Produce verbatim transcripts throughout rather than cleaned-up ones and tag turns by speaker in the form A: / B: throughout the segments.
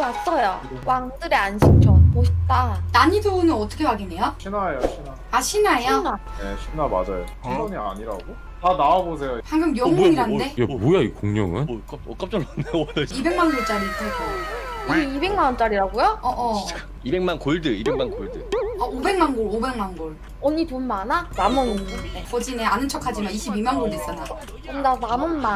A: 왔어요. 왕들의 안식처. 멋있다.
B: 난이도는 어떻게 확인해요?
C: 신화예요, 신화.
B: 아 신화예요?
A: 신나.
C: 네, 신화 맞아요. 신원이 아니라고? 다 나와보세요.
B: 방금 영웅이란데?
D: 야 뭐야 이 공룡은?
E: 어, 깜, 어 깜짝 놀랐네.
B: 이백만 골짜리 탈거.
A: 이게 이백만 원짜리라고요?
B: 어어.
E: 이백만 골드, 이백만 골드.
B: 어 오백만 골, 오백만 골.
A: 언니 돈 많아? 만 원 있는데.
B: 거진에 아는 척하지만 이십이만 골 됐어 나.
A: 그럼 나만 원만.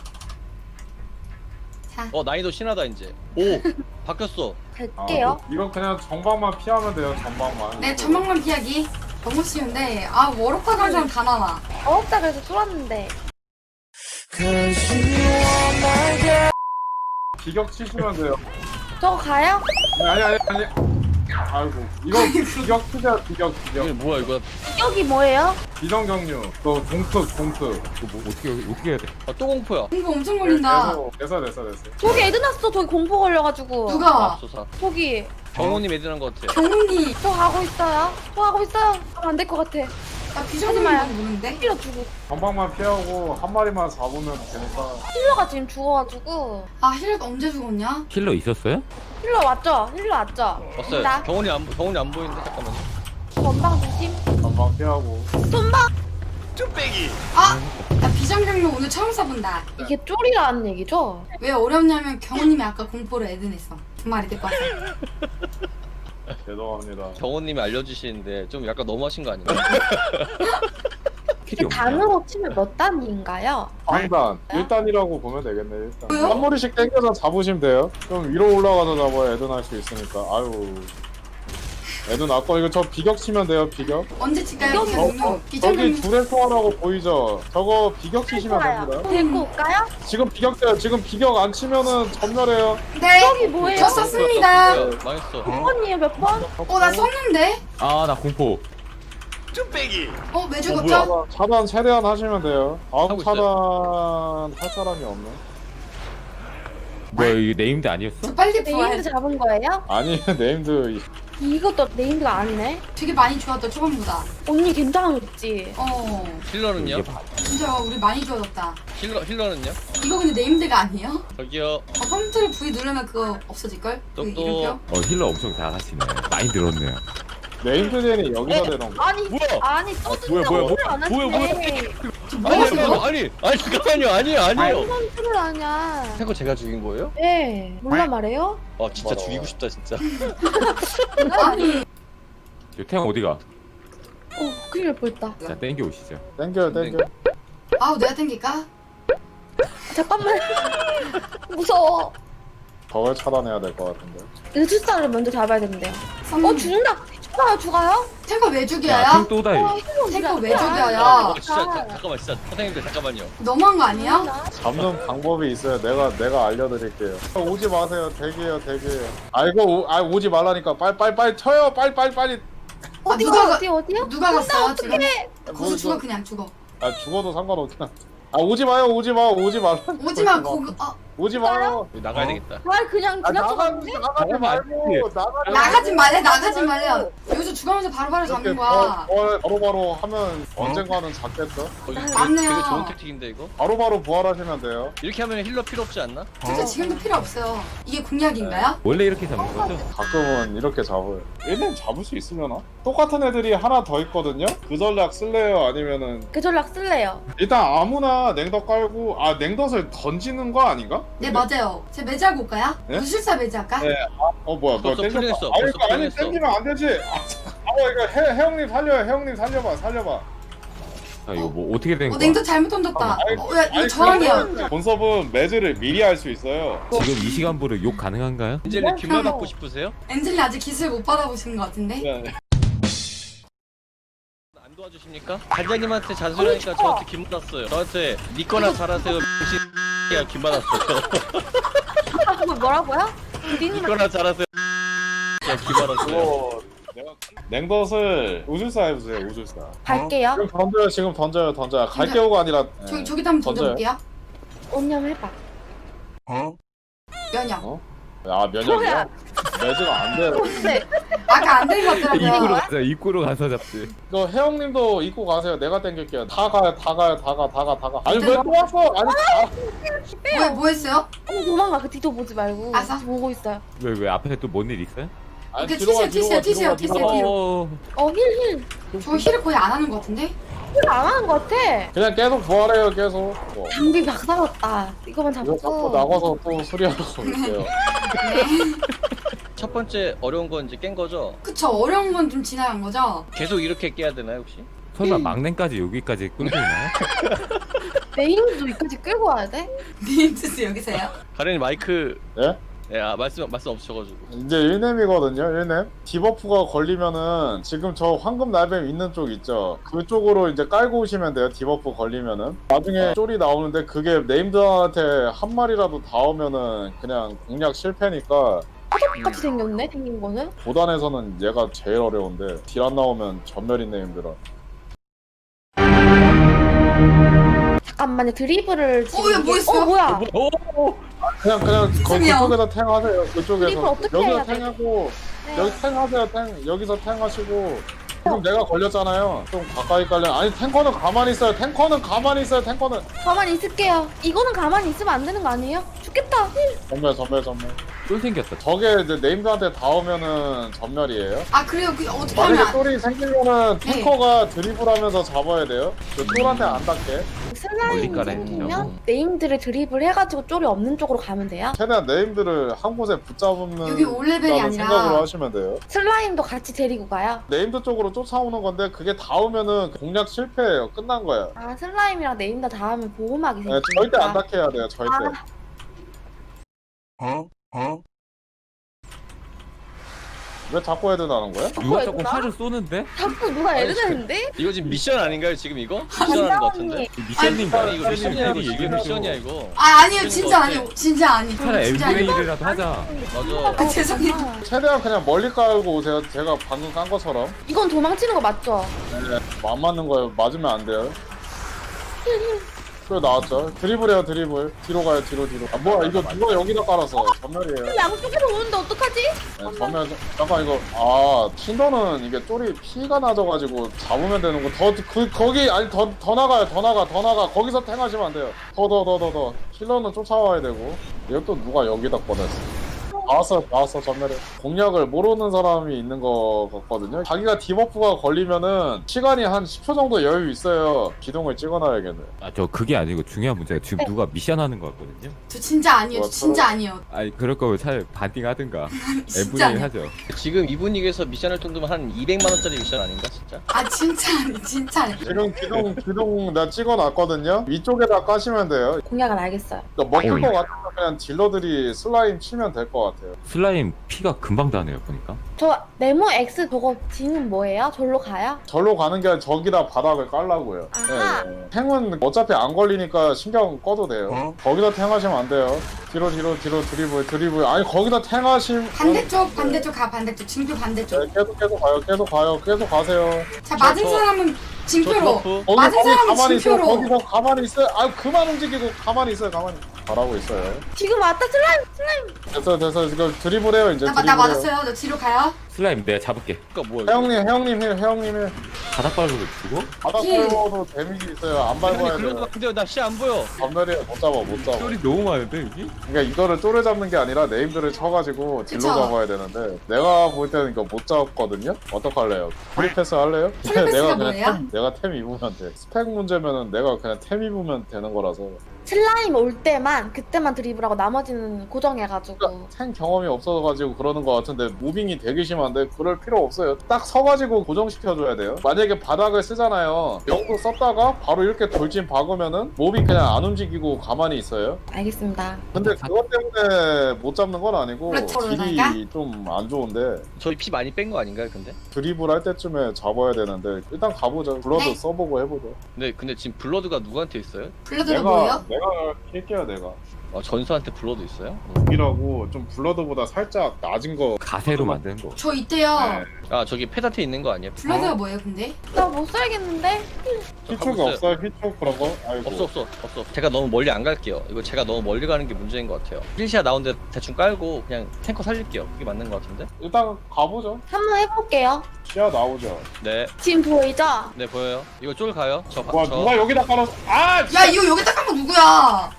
B: 자.
E: 어 난이도 신하다 이제. 오 바뀌었어.
C: 아,
A: 갈게요.
C: 이거 그냥 전방만 피하면 돼요, 전방만.
B: 네 전망만 피하기. 너무 쉬운데 아 워럭파 가는 사람 다 나와.
A: 어렵다 그래서 쏠았는데.
C: 비격 치시면 돼요.
A: 저거 가요?
C: 아니, 아니, 아니. 아이고. 이거 비격 치자, 비격,
E: 이게
C: 비격.
E: 뭐야 이거?
A: 여기 뭐예요?
C: 비정경류. 또 동특, 동특.
D: 이거 뭐 어떻게 어떻게 해야 돼?
E: 아, 또 공포야.
B: 공부 엄청 걸린다.
C: 됐어, 됐어, 됐어.
A: 저기 애드 났어. 저기 공포 걸려가지고.
B: 누가?
E: 앞서사.
A: 저기.
E: 경호님 애들한 것 같아.
B: 경훈이.
A: 저 가고 있어요. 저 가고 있어요. 안 될 것 같아.
B: 나 비정상이라고 보는데?
A: 힐러 주고.
C: 전방만 피하고 한 마리만 잡으면 되니까.
A: 힐러가 지금 죽어가지고.
B: 아 힐렛 언제 죽었냐?
D: 킬러 있었어요?
A: 힐러 왔죠? 힐러 왔죠?
E: 왔어요.
A: 나
E: 경호님 안 경호님 안 보이는데 잠깐만요.
A: 전방 조심.
C: 전방 피하고.
A: 전방.
B: 아! 나 비정경로 오늘 처음 써본다.
A: 이게 쫄이라는 얘기죠?
B: 왜 어렵냐면 경훈님이 아까 공포를 애드냈어. 두 마리 데리고 왔어.
C: 죄송합니다.
E: 경호님이 알려주시는데 좀 약간 너무하신 거 아니에요?
D: 킬이 없나?
A: 단으로 치면 몇 단인가요?
C: 상단 일 단이라고 보면 되겠네. 일단
B: 왜요?
C: 한 마리씩 땡겨서 잡으시면 돼요. 좀 위로 올라가서 잡아야 애든 할 수 있으니까. 아유, 애든 아까 이거 저 비격 치면 돼요. 비격.
B: 언제 칠까요?
A: 이거
B: 비정경로.
C: 저기
B: 비정경로.
C: 줄에 통하라고 보이죠? 저거 비격 치시면 됩니다.
A: 데리고 올까요?
C: 지금 비격 돼요. 지금 비격 안 치면은 전멸해요.
B: 네.
A: 여기 뭐예요?
B: 저 썼습니다.
E: 뭐야, 망했어.
A: 몇 번이에요? 몇 번?
B: 어 나 썼는데?
D: 아 나 공포.
B: 어 왜 죽었죠?
E: 뭐야?
C: 차단, 차단 최대한 하시면 돼요. 다음
E: 하고
C: 차단 할 사람이 없네.
D: 뭐야 이게 네임드 아니었어?
B: 저 빨리
A: 네임드
B: 부활.
A: 잡은 거예요?
C: 아니 네임드
A: 이것도 네임드가 아니네?
B: 되게 많이 좋았다 초반보다.
A: 언니 괜찮았지?
B: 어
E: 힐러는요?
D: 이게 봐.
B: 진짜 우리 많이 좋아졌다.
E: 힐러 힐러는요?
B: 이거 근데 네임드가 아니에요?
E: 저기요.
B: 어, 컴퓨터를 V 누르면 그거 없어질걸? 그
E: 똑똑.
B: 이름표?
D: 어 힐러 엄청 잘하시네. 많이 늘었네요.
C: 네임드 젠이 여기다 대놓은 거.
A: 아니
E: 뭐야?
A: 아니
D: 뭐야,
A: 써준다고
D: 뭐야,
A: 오늘 안
E: 뭐야, 뭐야.
A: 하시네.
B: 뭐
E: 아니
B: 하세요?
E: 잠깐만요. 아니 아니 잠깐만요. 아니에요 아니에요.
A: 선수를 아냐?
E: 탱커 제가 죽인 거예요?
A: 네 몰라 말해요?
E: 아 진짜
C: 뭐라.
E: 죽이고 싶다 진짜.
B: 아니
D: 태양 어디가?
A: 어 큰일 날 뻔했다.
D: 자 땡겨 오시죠.
C: 땡겨요 땡겨.
B: 아우 내가 땡길까?
A: 잠깐만 무서워.
C: 저걸 차단해야 될 것 같은데.
A: 의술사를 먼저 잡아야 된대요.
B: 음.
A: 어 죽는다. 죽어요 죽어요?
B: 탱커 왜
D: 야
B: 죽여요?
D: 탱또다이.
A: 어, 힐러
B: 탱커
A: 어디
B: 왜
A: 갔어?
B: 죽여요?
E: 아, 진짜 자, 잠깐만 진짜 선생님들 잠깐만요.
B: 너무한 거 아니야?
C: 잡는 방법이 있어요. 내가 내가 알려드릴게요. 오지 마세요. 대기해요 대기해요. 아 이거 오, 아 오지 말라니까. 빨리 빨리 빨리 쳐요. 빨리 빨리 빨리.
A: 어디
B: 누가
A: 어디 어디요?
B: 누가 갔어요 지금?
A: 어떡해.
B: 거기서 죽어 그냥 죽어.
C: 아 죽어도 상관없긴 한. 아 오지 마요 오지 마 오지 말라.
B: 오지마 거기 어
C: 오지 마요.
E: 나가야
C: 어?
E: 되겠다.
A: 아 그냥
C: 아 나가
A: 지나쳐갔는데?
C: 나가지 말고 나가지
B: 나가지 말래 나가지 말래. 여기서 죽으면서 바로바로 잡는
C: 이렇게
B: 거야.
C: 바- 바로바로 하면 언젠가는 잡겠죠?
E: 어, 이거 되게,
B: 맞네요.
E: 되게 좋은 택틱인데 이거?
C: 바로바로 부활하시면 돼요.
E: 이렇게 하면 힐러 필요 없지 않나?
B: 진짜 지금도 필요 없어요. 이게 공약인가요?
D: 원래 이렇게 잡는 거죠?
C: 가끔은 이렇게 잡아요. 일렘 잡을 수 있으려나? 똑같은 애들이 하나 더 있거든요? 그 전략 쓸래요? 아니면은
A: 그 전략 쓸래요.
C: 일단 아무나 냉덧 깔고 아 냉덧을 던지는 거 아닌가?
B: 네 맞아요. 제 매지하고 올까요?
C: 네?
B: 무술사 매지할까?
C: 네. 어 뭐야 뭐야
E: 벌써
C: 땡겼다.
E: 풀렸어,
C: 아니
E: 벌써
C: 이거 아니
E: 풀렸어.
C: 땡기면 안 되지. 아, 참. 아 이거 해 해영님 살려요. 해영님 살려봐 살려봐.
D: 아 이거 뭐 어떻게 된
B: 어
D: 거야?
B: 냉도 잘못 던졌다.
C: 아니,
B: 어, 야, 이거
C: 아니,
B: 저항이야.
C: 그러면 본섭은 매즈를 미리 할 수 있어요.
D: 지금 이 시간부로 욕 가능한가요?
E: 엔젤님 뒷말 받고 싶으세요?
B: 엔젤리 아직 기술 못 받아보시는 것 같은데?
C: 네.
E: 안 도와주십니까? 단장님한테 잔소리하니까 저한테 기 받았어요. 저한테 니 거나 잘하세요. 야, 기 받았어요.
A: 아 그거 뭐라고요?
E: 니
A: 니님
E: 거나 잘하세요. 야, 기 받았어요.
C: 그거 내가 냉덧을 우술사 해보세요. 우술사.
A: 갈게요.
C: 지금 던져요. 지금 던져요. 던져요. 갈게오가 아니라.
B: 저,
C: 네.
B: 저기다 한번
C: 던져요.
B: 던져볼게요.
A: 언니 한번 해봐.
B: 면역.
C: 어? 아 면역이야? 매즈가 안 돼요.
A: 근데
B: 아까 안 된 것
D: 입구로
B: 같더라고요.
D: 가자. 입구로 가서 잡지.
C: 이거 혜영님도 입고 가세요. 내가 땡길게요. 다 가요, 다 가요, 다 가, 다 가, 다 가. 아니 왜 또 왔어? 아니 다.
B: 뭐, 뭐 했어요?
A: 어, 도망가. 그 뒤도 보지 말고.
B: 아싸.
A: 보고 있어요.
D: 왜 왜 앞에 또 뭔 일 있어요?
C: 아니
B: 오케이,
C: 뒤로 가,
B: 튀세요,
C: 뒤로 가,
B: 튀세요,
C: 뒤로 가,
B: 튀세요,
C: 뒤로 가.
B: 튀세요.
D: 어.
A: 어, 힐, 힐.
B: 저 힐을 거의 안 하는 것 같은데?
A: 힐안 하는 것 같아.
C: 그냥 계속 부활해요, 계속. 뭐.
A: 장비 박살났다. 이거만
C: 이거 자꾸
A: 잡고.
C: 나가서 또 수리하고 있어요.
E: 첫 번째 어려운 건 이제 깬 거죠?
B: 그쵸, 어려운 건 좀 지나간 거죠?
E: 계속 이렇게 깨야 되나요 혹시?
D: 설마 막내까지 여기까지 끌고 있나요?
A: 메인도 여기까지 끌고 와야 돼?
B: 니인트스 여기서요?
E: 가련이 마이크
C: 예?
E: 예, 아, 말씀 말씀 없으셔가지고.
C: 이제 일 렘이거든요, 일 렘. 디버프가 걸리면은 지금 저 황금 날뱀 있는 쪽 있죠? 그쪽으로 이제 깔고 오시면 돼요, 디버프 걸리면은. 나중에 쫄이 나오는데 그게 네임드한테 한 마리라도 닿으면은 그냥 공략 실패니까
A: 똑같이 생겼네, 생긴 거는.
C: 도단에서는 얘가 제일 어려운데 딜 안 나오면 전멸인 네임드라.
A: 잠깐만요, 드리블을 지금.
B: 어, 얘 뭐
A: 이게-
B: 했어요?
A: 어, 뭐야?
C: 그냥 그냥 거,
B: 죄송해요.
C: 그쪽에서 탱 하세요,
A: 드리블
C: 그쪽에서.
A: 어떻게
C: 여기서
A: 해야 돼?
C: 탱하고
A: 네.
C: 여기 탱 하세요, 탱. 여기서 탱 하시고. 지금 내가 걸렸잖아요. 좀 가까이 깔려. 아니 탱커는 가만히 있어요. 탱커는 가만히 있어요. 탱커는.
A: 가만히 있을게요. 이거는 가만히 있으면 안 되는 거 아니에요? 죽겠다. 힐.
C: 전멸 전멸 전멸.
D: 쫄 생겼다.
C: 저게 이제 네임드한테 닿으면은 전멸이에요.
B: 아, 그래요? 그 어떻게 하면
C: 만약에
B: 안...
C: 쫄이 생기면은
B: 네.
C: 탱커가 드리블하면서 잡아야 돼요. 그 쫄한테 안 닿게.
A: 슬라임
D: 멀리 깔아야
A: 생기면
D: 된다고?
A: 네임들을 드리블 해가지고 쫄이 없는 쪽으로 가면 돼요.
C: 최대한 네임드를 한 곳에 붙잡는
B: 여기 올 레벨이
C: 있다는
B: 아니라-
C: 생각으로 하시면 돼요.
A: 슬라임도 같이 데리고 가요.
C: 네임드 쪽으로 쫓아오는 건데 그게 닿으면은 공략 실패예요. 끝난 거예요.
A: 아, 슬라임이랑 네임다 닿으면 보호막이
C: 네,
A: 생기니까.
C: 절대 안 닿게 해야 돼요. 절대.
A: 아,
C: 왜 자꾸 헤드 나는 거야?
D: 누가 자꾸
A: 했나?
D: 화를 쏘는데?
A: 자꾸 누가 애를 내는데?
E: 이거 지금 미션 아닌가요 지금 이거? 미션 하는 거 같은데?
D: 미션님
E: 아니 이거 미션이야 이거
D: 미션님
E: 이게 미션이야 이거.
B: 아, 아니에요.
E: 그런
B: 진짜
E: 거
B: 아니에요. 진짜 아니.
D: 차라리
B: 진짜 아니.
D: 엠브이 일이라도 하자.
E: 맞아.
B: 아, 죄송해요.
A: 아,
C: 최대한 그냥 멀리 깔고 오세요. 제가 방금 깐 것처럼.
A: 이건 도망치는 거 맞죠?
C: 네, 안 맞는 거예요. 맞으면 안 돼요. 그 나왔죠. 드리블해요, 드리블. 뒤로 가요, 뒤로, 뒤로. 아, 뭐야, 이거 누가 여기다 깔았어. 전멸이에요.
A: 양쪽에서 오는데 어떡하지?
C: 네, 전멸, 잠깐, 이거. 아, 틴더는 이게 쫄이 피가 나져가지고 잡으면 되는 거. 더, 그, 거기, 아니, 더, 더 나가요, 더 나가, 더 나가. 거기서 탱하시면 안 돼요. 더, 더, 더, 더, 더. 힐러는 쫓아와야 되고. 이거 또 누가 여기다 꺼냈어. 나왔어, 나왔어, 전멸에. 공략을 모르는 사람이 있는 거 같거든요. 자기가 디버프가 걸리면은 시간이 한 십 초 정도 여유 있어요. 기둥을 찍어놔야겠네.
D: 아 저 그게 아니고 중요한 문제가 지금 누가 미션 하는 거 같거든요.
B: 저 진짜 아니에요. 저 진짜 아니에요.
D: 아니 그럴 거면 차라리 반띵 하든가.
B: 진짜
D: 엠브이 일
B: 아니에요.
D: 하죠.
E: 지금 이 분위기에서 미션을 정도면 한 이백만 원짜리 미션 아닌가 진짜?
B: 아, 진짜 아니. 진짜 아니.
C: 지금 기둥, 기둥 내가 찍어놨거든요. 위쪽에다 까시면 돼요.
A: 공약은 알겠어요.
C: 그러니까 먹을 것 같으면 그냥 딜러들이 슬라임 치면 될 것 같아요.
D: 슬라임 피가 금방 다네요 보니까.
A: 저 네모 X 저거 G는 뭐예요? 절로 가요?
C: 절로 가는 게 아니라 저기다 바닥을 깔라고요.
A: 아하.
C: 네, 네. 탱은 어차피 안 걸리니까 신경 꺼도 돼요. 거기다 탱하시면 안 돼요. 뒤로 뒤로 뒤로 드리블 드리블. 아니 거기다 탱하시면
B: 반대쪽, 반대쪽 가, 반대쪽. 징표 반대쪽.
C: 네, 계속 계속 가요. 계속 가요. 계속 가세요.
B: 자, 맞은
E: 저-
B: 사람은
E: 저
B: 징표로.
E: 디버프
C: 거기
B: 맞은
C: 거기
B: 사람은
C: 가만히 있어요.
B: 징표로.
C: 거기서 가만히 있어요. 아 그만 움직이고 가만히 있어요. 가만히. 잘하고 있어요.
A: 지금 왔다 슬라임 슬라임.
C: 됐어 됐어 지금 드리블해요 이제
B: 나, 나
C: 드리블해요.
B: 맞았어요. 저 뒤로 가요.
D: 슬라임 내가 잡을게.
E: 그니까 뭐야 이거?
C: 혜영님 혜영님 힐 혜영님 힐.
D: 바닥 밟고 죽어?
C: 바닥
B: 힐.
C: 밟아도 데미지 있어요. 안
E: 아니
C: 밟아야
E: 그런 거
C: 돼요.
E: 같은데요 나 시 안 보여.
C: 전멸이에요. 못 잡아 못 잡아.
D: 쫄이 너무 많은데 여기?
C: 그러니까 이거를 쪼를 잡는 게 아니라 네임들을 쳐가지고 딜로
B: 그쵸.
C: 잡아야 되는데 내가 볼 때는 이거 못 잡거든요? 어떡할래요? 프리패스 할래요?
B: 프리패스가
C: 내가
B: 뭐예요?
C: 그냥 템, 내가 템 입으면 돼 스펙 문제면은 내가 그냥 템 입으면 되는 거라서
A: 슬라임 올 때만 그때만 드리블하고 나머지는 고정해가지고.
C: 그러니까 템 경험이 없어가지고 그러는 거 같은데 무빙이 되게 심한데 그럴 필요 없어요 딱 서가지고 고정시켜줘야 돼요 만약에 바닥을 쓰잖아요 영도 썼다가 바로 이렇게 돌진 박으면은 몹이 그냥 안 움직이고 가만히 있어요
A: 알겠습니다.
C: 근데 그것 때문에 못 잡는 건 아니고
B: 그렇죠,
C: 딜이
B: 그러니까?
C: 좀 안 좋은데
E: 저희 피 많이 뺀 거 아닌가요 근데?
C: 드리블 할 때쯤에 잡아야 되는데 일단 가보죠. 블러드
B: 네.
C: 써보고 해보죠.
E: 근데 근데 지금 블러드가 누구한테 있어요?
B: 블러드가
C: 내가
B: 뭐예요?
C: 내가 킬게요 내가.
E: 어, 전수한테 불러도 있어요?
C: 이라고 좀 블러드보다 살짝 낮은 거.
D: 가세로 만드는 거.
B: 저 있대요.
C: 네.
E: 아 저기 페다트 있는 거 아니야?
B: 블러드가 뭐예요 근데?
A: 나 못 살겠는데?
C: 휘촉이 없어요? 휘촉 그런 거? 아이고.
E: 없어 없어 없어. 제가 너무 멀리 안 갈게요. 이거 제가 너무 멀리 가는 게 문제인 것 같아요. 필시아 나온데 대충 깔고 그냥 탱커 살릴게요. 그게 맞는 것 같은데?
C: 일단 가보죠.
A: 한번 해볼게요.
C: 시야 나오죠.
E: 네,
A: 지금 보이죠?
E: 네 보여요. 이거 쫄 가요. 저, 바-
C: 와
E: 저
C: 누가 여기다 깔았어? 아!
B: 야 이거 여기다 깐 거 누구야?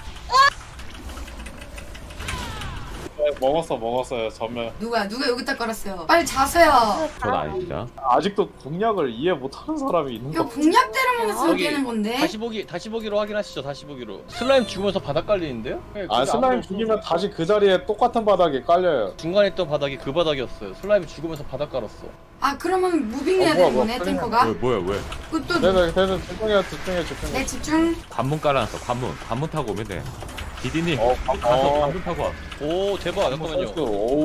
C: 먹었어 먹었어요 전면.
B: 누구야? 누가 여기다 깔았어요? 빨리 자세요.
D: 전 아닙니다.
C: 아직도 공략을 이해 못하는 사람이 있는
B: 이거
C: 거.
B: 공략대로 먹어서
E: 여기
B: 깨는 건데.
E: 다시 보기 다시 보기로 확인하시죠. 다시 보기로. 슬라임 죽으면서 바닥 깔리는데요? 네,
C: 아
E: 그게
C: 슬라임
E: 아무도
C: 죽이면
E: 없어서.
C: 다시 그 자리에 똑같은 바닥에 깔려요.
E: 중간에 있던 바닥이 그 바닥이었어요. 슬라임이 죽으면서 바닥 깔았어.
B: 아 그러면 무빙해야
C: 어, 뭐야,
B: 되는
C: 뭐야,
B: 거네
C: 큰일
B: 탱커가?
D: 왜 뭐야 왜?
B: 그또
C: 네네 네네 집중해 집중해 집중해.
B: 내 집중.
D: 관문 깔아놨어. 관문. 관문 타고 오면 돼. 디디님
C: 어,
D: 가서
C: 어.
D: 관문 타고 와.
E: 오 대박. 잠깐만요.
C: 선수, 오우.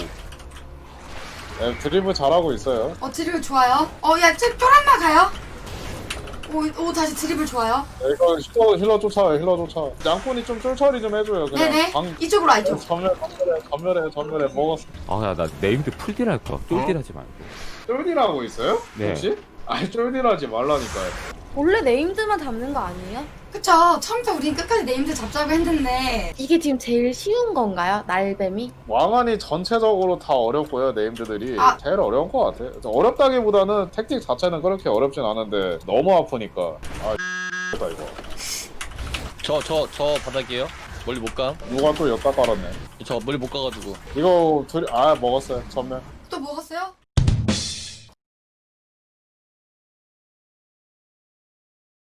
C: 네, 드리블 잘하고 있어요.
B: 어 드리블 좋아요. 어야 쫄한마 가요. 오, 오 다시 드리블 좋아요.
C: 네, 이거 힐러, 힐러 쫓아요 힐러 쫓아. 양꾼이 좀 쫄처리 좀 해줘요. 그냥
B: 네네.
C: 방
B: 이쪽으로 와 이쪽.
C: 전멸 전멸해 전멸해 전멸해 먹었어.
D: 아야 나 네임드 풀딜할까? 쫄딜하지 말고.
C: 쫄디라고 있어요?
D: 네.
C: 혹시? 아니 쫄디라지 말라니까요.
A: 원래 네임드만 담는 거 아니에요?
B: 그쵸. 처음부터 우린 끝까지 네임드 잡자고 했는데
A: 이게 지금 제일 쉬운 건가요? 날뱀이?
C: 왕안이 전체적으로 다 어렵고요 네임드들이
B: 아.
C: 제일 어려운 것 같아요. 어렵다기보다는 택틱 자체는 그렇게 어렵진 않은데 너무 아프니까. 아 X다 이거.
E: 저 저 저 바닥이에요. 멀리 못 가.
C: 누가 또 엿다 깔았네.
E: 저 멀리 못 가가지고.
C: 이거 둘이 아 먹었어요 전멸.
B: 또 먹었어요?